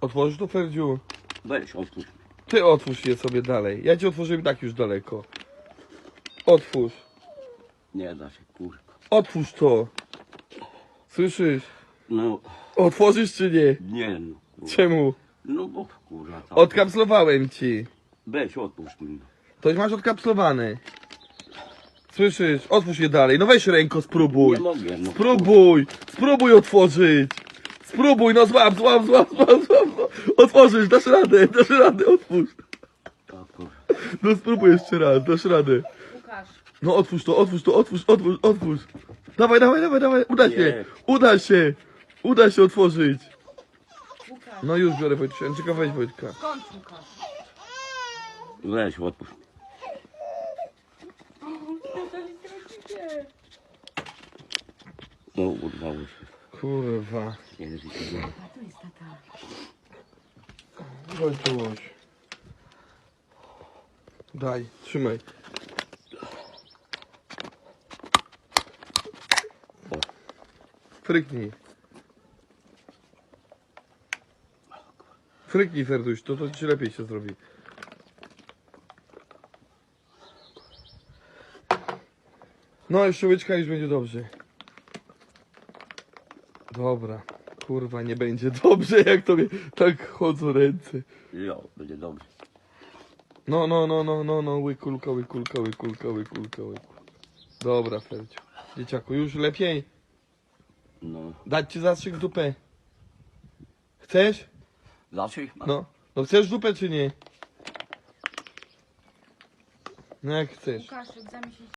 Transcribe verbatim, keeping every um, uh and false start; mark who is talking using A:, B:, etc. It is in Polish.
A: Otworzysz to, Ferdziu?
B: Weź, otwórz.
A: Ty otwórz je sobie dalej. Ja ci otworzyłem tak już daleko. Otwórz.
B: Nie da się, kurwa.
A: Otwórz to. Słyszysz?
B: No,
A: Otworzysz czy nie?
B: nie no. Kurwa.
A: Czemu?
B: No bo kurwa. Tam.
A: Odkapslowałem ci.
B: Weź, otwórz mi.
A: To już masz odkapslowane. Słyszysz? Otwórz je dalej. No weź ręko, spróbuj.
B: Nie mogę, no.
A: Spróbuj. Spróbuj otworzyć. Spróbuj, no złap, złap, złap, złap, złap. złap. Otworzysz, dasz radę, dasz radę, otwórz.
B: O, kurwa.
A: No spróbuj jeszcze raz, dasz radę.
C: Łukasz,
A: No otwórz to, otwórz to, otwórz, otwórz, otwórz. Dawaj, dawaj, dawaj, dawaj, uda się,
B: Nie.
A: uda się, uda się otworzyć.
C: Łukasz,
A: No już biorę Wojtka, czekaj, weź Wojtka.
C: skąd Łukasz?
B: Weź, otwórz. No, urwało się.
A: Kurwa.
B: Nie, nie, nie.
C: A tu jest tata.
A: Wojtuś. Daj, trzymaj.
B: O.
A: Fryknij. Fryknij, Ferduś, to, to ci lepiej się zrobi. No, jeszcze łyczka już będzie dobrze. Dobra. Kurwa, nie będzie dobrze, jak tobie tak chodzą ręce.
B: Jo, będzie dobrze.
A: No, no, no, no, no, no, łykulka, łykulka, łykulka, łykulka, łykulka. Dobra, Ferdziu. Dzieciaku, już lepiej?
B: No.
A: Dać ci zastrzyk w dupę? Chcesz?
B: Zawsze ich mam.
A: No. No chcesz dupę czy nie? No jak chcesz.
C: Łukasz, egzamin się